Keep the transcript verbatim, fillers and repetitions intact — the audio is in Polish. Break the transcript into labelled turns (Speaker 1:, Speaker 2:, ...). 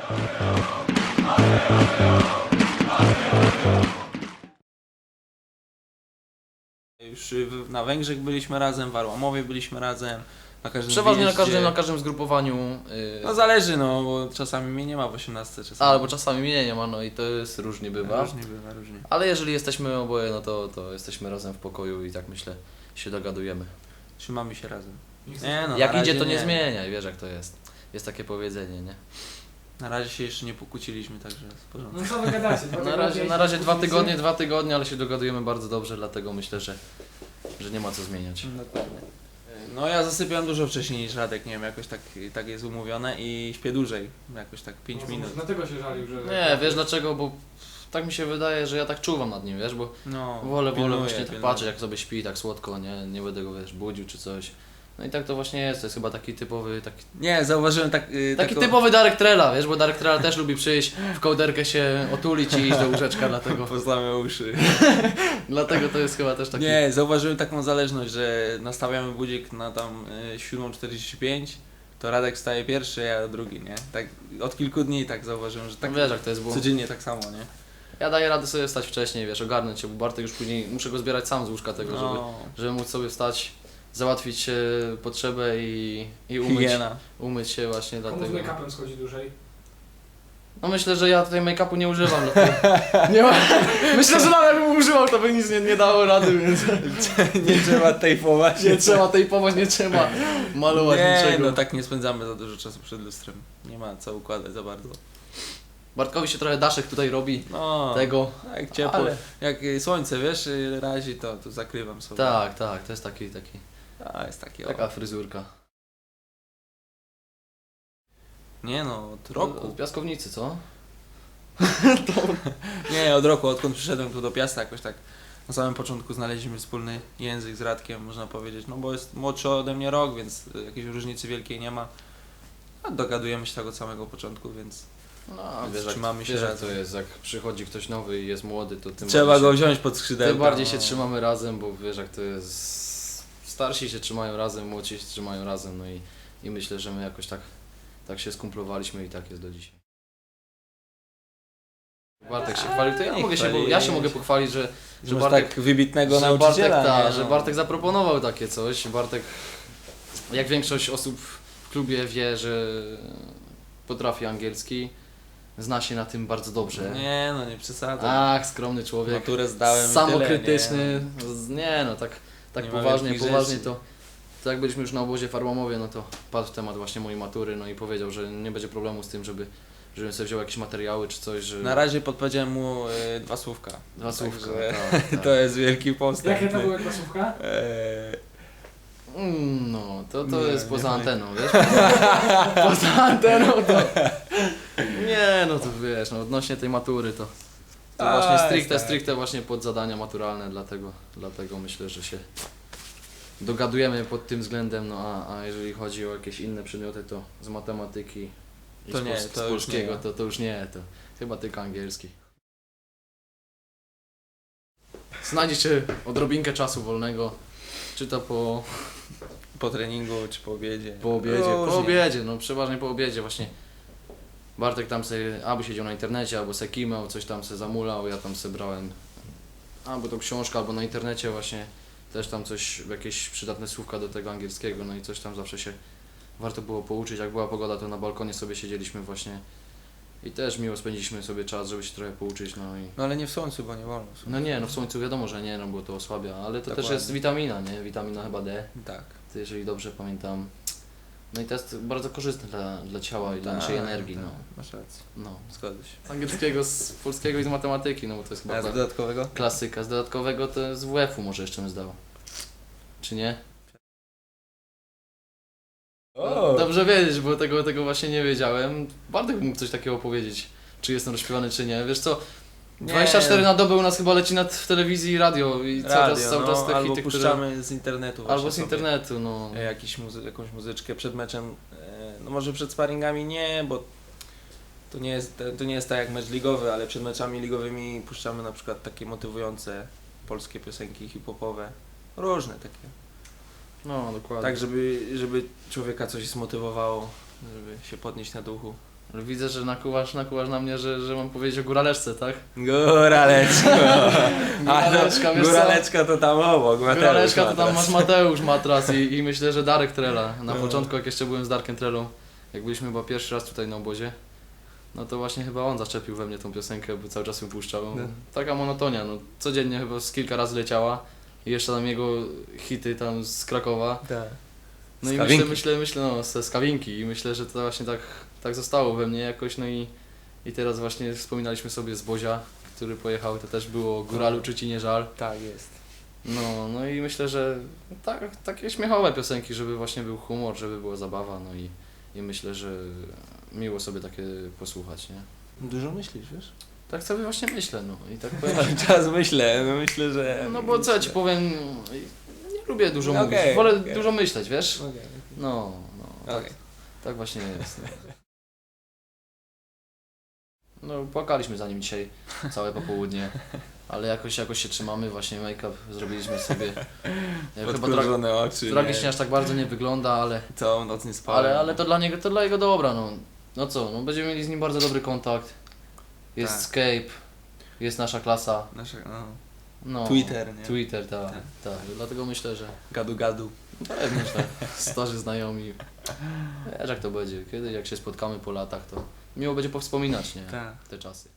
Speaker 1: Już na Węgrzech byliśmy razem, w Arłamowie byliśmy razem. Na każdym
Speaker 2: Przeważnie na
Speaker 1: wyjeździe.
Speaker 2: każdym, na każdym zgrupowaniu. Yy...
Speaker 1: No zależy, no, bo czasami mnie nie ma w osiemnastce, czasami.
Speaker 2: Albo czasami mnie nie ma, no i to jest różnie bywa.
Speaker 1: Różnie bywa, różnie.
Speaker 2: Ale jeżeli jesteśmy oboje, no to, to jesteśmy razem w pokoju i tak myślę się dogadujemy.
Speaker 1: Trzymamy się razem.
Speaker 3: Nie,
Speaker 1: no,
Speaker 2: jak
Speaker 1: na
Speaker 2: idzie,
Speaker 1: razie
Speaker 2: to nie, nie zmieniaj, wiesz jak to jest. Jest takie powiedzenie, nie?
Speaker 1: Na razie się jeszcze nie pokłóciliśmy, także w porządku.
Speaker 3: No co wy gadacie? Dwa
Speaker 2: Na razie,
Speaker 3: tygodnie
Speaker 2: na razie dwa
Speaker 3: kłócicie?
Speaker 2: tygodnie, dwa tygodnie, ale się dogadujemy bardzo dobrze, dlatego myślę, że, że nie ma co zmieniać.
Speaker 1: Dokładnie. No ja zasypiam dużo wcześniej niż Radek, nie wiem, jakoś tak, tak jest umówione i śpię dłużej, jakoś tak pięć
Speaker 3: No,
Speaker 1: minut.
Speaker 3: Dlatego się żalił, że...
Speaker 2: Nie, wiesz dlaczego, bo tak mi się wydaje, że ja tak czuwam nad nim, wiesz, bo
Speaker 1: No,
Speaker 2: wolę, wolę
Speaker 1: pilnuję,
Speaker 2: właśnie tak
Speaker 1: pilnuję.
Speaker 2: patrzeć jak sobie śpi, tak słodko, nie, nie będę go, wiesz, budził czy coś. No i tak to właśnie jest, to jest chyba taki typowy, taki,
Speaker 1: Nie, zauważyłem tak... Yy,
Speaker 2: taki
Speaker 1: taką-
Speaker 2: typowy Darek Trela, wiesz, bo Darek Trela też lubi przyjść, w kołderkę się otulić i iść do łóżeczka, dlatego,
Speaker 1: Pozlamy uszy.
Speaker 2: dlatego to jest chyba też taki...
Speaker 1: Nie, zauważyłem taką zależność, że nastawiamy budzik na tam y, siódma czterdzieści pięć, to Radek staje pierwszy, ja drugi, nie? Tak od kilku dni tak zauważyłem, że tak
Speaker 2: Tak wiesz jak to jest, bo
Speaker 1: codziennie tak samo, nie?
Speaker 2: ja daję radę sobie wstać wcześniej, wiesz, ogarnąć się, bo Bartek już później, muszę go zbierać sam z łóżka tego, żeby,
Speaker 1: No,
Speaker 2: żeby móc sobie wstać, załatwić e, potrzebę i, i umyć,
Speaker 1: higiena.
Speaker 2: umyć się właśnie
Speaker 3: Komu z
Speaker 2: dlatego.
Speaker 3: make-upem schodzi dłużej?
Speaker 2: No myślę, że ja tutaj make-upu nie używam. Dlatego... nie ma... Myślę, że nawet bym używał, to by nic nie, nie dało rady, więc
Speaker 1: Nie trzeba tejpować.
Speaker 2: nie trzeba tejpować, nie trzeba malować
Speaker 1: Nie,
Speaker 2: niczego.
Speaker 1: no tak nie spędzamy za dużo czasu przed lustrem. Nie ma co układać za bardzo.
Speaker 2: Bartkowi się trochę daszek tutaj robi,
Speaker 1: No,
Speaker 2: tego.
Speaker 1: jak ciepło,
Speaker 2: Ale...
Speaker 1: jak y, słońce, wiesz, y, razi, to, to zakrywam sobie.
Speaker 2: Tak, tak, to jest taki, taki,
Speaker 1: A, jest taki, o.
Speaker 2: taka fryzurka.
Speaker 1: Nie no, od
Speaker 2: Od
Speaker 1: roku.
Speaker 2: piaskownicy, co?
Speaker 1: Nie, od roku, odkąd przyszedłem tu do Piasta, jakoś tak na samym początku znaleźliśmy wspólny język z Radkiem, można powiedzieć, no bo jest młodszy ode mnie rok, więc y, jakiejś różnicy wielkiej nie ma. A dogadujemy się tak od samego początku, więc
Speaker 2: No,
Speaker 1: Więc
Speaker 2: wiesz, jak,
Speaker 1: trzymamy się
Speaker 2: wiesz jak
Speaker 1: razem.
Speaker 2: to jest, jak przychodzi ktoś nowy i jest młody, to tym
Speaker 1: trzeba
Speaker 2: bardziej
Speaker 1: go
Speaker 2: się,
Speaker 1: wziąć pod skrzydełka.
Speaker 2: tym bardziej się
Speaker 1: no.
Speaker 2: trzymamy razem, bo wiesz jak to jest, starsi się trzymają razem, młodsi się trzymają razem, no i, i myślę, że my jakoś tak, tak się skumplowaliśmy i tak jest do dzisiaj. Bartek się chwalił, to ja
Speaker 1: Nie
Speaker 2: mogę się,
Speaker 1: chwalić.
Speaker 2: ja się mogę pochwalić, że,
Speaker 1: Że
Speaker 2: że
Speaker 1: masz
Speaker 2: Bartek,
Speaker 1: tak wybitnego
Speaker 2: że Bartek,
Speaker 1: nauczyciela.
Speaker 2: ta,
Speaker 1: nie,
Speaker 2: że
Speaker 1: no.
Speaker 2: Bartek zaproponował takie coś. Bartek, jak większość osób w klubie wie, że potrafi angielski, zna się na tym bardzo dobrze.
Speaker 1: Nie no, nie przesadzam.
Speaker 2: Ach, skromny człowiek.
Speaker 1: Maturę zdałem i
Speaker 2: Samokrytyczny.
Speaker 1: tyle,
Speaker 2: Z- Nie no, tak, tak
Speaker 1: Nie ma
Speaker 2: poważnie,
Speaker 1: wielkich
Speaker 2: poważnie
Speaker 1: rzeczy.
Speaker 2: to. To jak byliśmy już na obozie w Arłamowie, no to padł temat właśnie mojej matury, no i powiedział, że nie będzie problemu z tym, żeby żebym sobie wziął jakieś materiały czy coś, że...
Speaker 1: Na razie podpowiedziałem mu y, dwa słówka.
Speaker 2: Dwa słówka,
Speaker 1: Także
Speaker 2: tak, tak.
Speaker 1: To jest wielki postęp.
Speaker 3: Jakie to były klasówka?
Speaker 1: Eee,
Speaker 2: Mm, No, to, to
Speaker 1: Nie,
Speaker 2: jest
Speaker 1: nie
Speaker 2: poza
Speaker 1: pamiętam.
Speaker 2: anteną, wiesz? Poza anteną to... Nie, no to wiesz, no odnośnie tej matury to... To
Speaker 1: A,
Speaker 2: właśnie stricte,
Speaker 1: tak.
Speaker 2: stricte właśnie pod zadania maturalne, dlatego, dlatego myślę, że się dogadujemy pod tym względem, no a, a jeżeli chodzi o jakieś inne przedmioty, to z matematyki i
Speaker 1: To
Speaker 2: z,
Speaker 1: nie,
Speaker 2: pols-
Speaker 1: to
Speaker 2: z
Speaker 1: już
Speaker 2: polskiego,
Speaker 1: nie.
Speaker 2: to, to już nie, to chyba tylko angielski. Znajdziecie odrobinkę czasu wolnego, czy to po,
Speaker 1: po treningu czy po obiedzie.
Speaker 2: po obiedzie,
Speaker 1: Różnie.
Speaker 2: po obiedzie, no przeważnie po obiedzie właśnie. Bartek tam sobie albo siedział na internecie, albo se kimał, coś tam se zamulał, ja tam se brałem albo tą książkę, albo na internecie właśnie też tam coś, jakieś przydatne słówka do tego angielskiego, no i coś tam zawsze się warto było pouczyć. Jak była pogoda, to na balkonie sobie siedzieliśmy właśnie i też miło spędziliśmy sobie czas, żeby się trochę pouczyć, no i...
Speaker 1: No ale nie w słońcu, bo nie wolno. w
Speaker 2: No
Speaker 1: słońcu.
Speaker 2: nie, no w słońcu wiadomo, że nie, no bo to osłabia, ale to też
Speaker 1: Dokładnie.
Speaker 2: jest witamina, nie? Witamina chyba D,
Speaker 1: Tak.
Speaker 2: to jeżeli dobrze pamiętam. No i to jest bardzo korzystne dla, dla ciała i dla
Speaker 1: Tak,
Speaker 2: naszej energii,
Speaker 1: tak,
Speaker 2: no.
Speaker 1: Masz rację.
Speaker 2: no.
Speaker 1: Zgodzę się.
Speaker 2: Z angielskiego, z polskiego i z matematyki, no bo to jest chyba
Speaker 1: A z
Speaker 2: ta
Speaker 1: dodatkowego?
Speaker 2: klasyka. Z dodatkowego to z W F-u może jeszcze bym zdał. Czy nie?
Speaker 1: O!
Speaker 2: Dobrze wiedzieć, bo tego, tego właśnie nie wiedziałem. Bartek mógł coś takiego powiedzieć, czy jestem rozśpiewany, czy nie. Wiesz co,
Speaker 1: Nie.
Speaker 2: dwadzieścia cztery na dobę u nas chyba leci nad w telewizji i radio i cały
Speaker 1: Radio,
Speaker 2: czas, cały
Speaker 1: no,
Speaker 2: czas te
Speaker 1: albo
Speaker 2: hity, które...
Speaker 1: puszczamy z internetu właśnie
Speaker 2: Albo z
Speaker 1: sobie.
Speaker 2: internetu, no.
Speaker 1: E, Jakiś muzy- jakąś muzyczkę przed meczem. E, No może przed sparingami nie, bo to nie jest, to nie jest tak jak mecz ligowy, ale przed meczami ligowymi puszczamy na przykład takie motywujące polskie piosenki hip-hopowe. Różne takie.
Speaker 2: No, dokładnie.
Speaker 1: Tak, żeby, żeby człowieka coś zmotywowało, żeby się podnieść na duchu.
Speaker 2: Ale widzę, że nakuwasz, nakuwasz na mnie, że, że mam powiedzieć o góraleczce, tak?
Speaker 1: Góraleczko. A
Speaker 2: Góraleczka,
Speaker 1: no,
Speaker 2: wiesz co?
Speaker 1: góraleczka to tam obok. Mateusz
Speaker 2: Góraleczka to tam
Speaker 1: Matras.
Speaker 2: masz Mateusz Matras i, i myślę, że Darek Trela. Na
Speaker 1: No.
Speaker 2: początku, jak jeszcze byłem z Darkiem Trelą, jak byliśmy chyba pierwszy raz tutaj na obozie, no to właśnie chyba on zaczepił we mnie tą piosenkę, bo cały czas ją puszczał.
Speaker 1: No.
Speaker 2: Taka monotonia, no codziennie chyba z kilka razy leciała i jeszcze tam jego hity tam z Krakowa.
Speaker 1: Tak.
Speaker 2: No
Speaker 1: Z
Speaker 2: i
Speaker 1: Kawinki.
Speaker 2: myślę, myślę, myślę, no z, z Kawinki i myślę, że to właśnie tak, tak zostało we mnie jakoś, no i, i teraz właśnie wspominaliśmy sobie z Bozia, który pojechał, to też było o Góralu czy Ci nie żal.
Speaker 1: Tak jest.
Speaker 2: No, no i myślę, że tak, takie śmiechowe piosenki, żeby właśnie był humor, żeby była zabawa, no i, i myślę, że miło sobie takie posłuchać, nie?
Speaker 1: Dużo myślisz, wiesz?
Speaker 2: Tak sobie właśnie myślę, no i tak powiem.
Speaker 1: Cały czas myślę, no myślę, że...
Speaker 2: No bo co ja Ci powiem, nie lubię dużo
Speaker 1: No
Speaker 2: mówić,
Speaker 1: okej,
Speaker 2: wolę
Speaker 1: okej.
Speaker 2: dużo myśleć, wiesz?
Speaker 1: Okej.
Speaker 2: No, no, tak,
Speaker 1: Okej.
Speaker 2: tak właśnie jest. No. No, płakaliśmy za nim dzisiaj całe popołudnie, ale jakoś, jakoś się trzymamy, właśnie make-up zrobiliśmy sobie. Ja chyba tra-
Speaker 1: Podkurzone oczy.
Speaker 2: tragicznie
Speaker 1: nie?
Speaker 2: aż tak bardzo nie wygląda, ale,
Speaker 1: Całą noc nie spałem.
Speaker 2: ale, ale to dla niego, to dla jego dobra, no. No co, no będziemy mieli z nim bardzo dobry kontakt. Jest
Speaker 1: Tak.
Speaker 2: Skype, jest nasza klasa.
Speaker 1: Nasze, no,
Speaker 2: No,
Speaker 1: Twitter, nie?
Speaker 2: Twitter, tak,
Speaker 1: Tak.
Speaker 2: tak. Dlatego myślę, że
Speaker 1: Gadu gadu.
Speaker 2: pewnie, że tak. Starzy znajomi. Wiesz jak to będzie, kiedy jak się spotkamy po latach, to miło będzie powspominać, nie?
Speaker 1: Tak.
Speaker 2: Te czasy.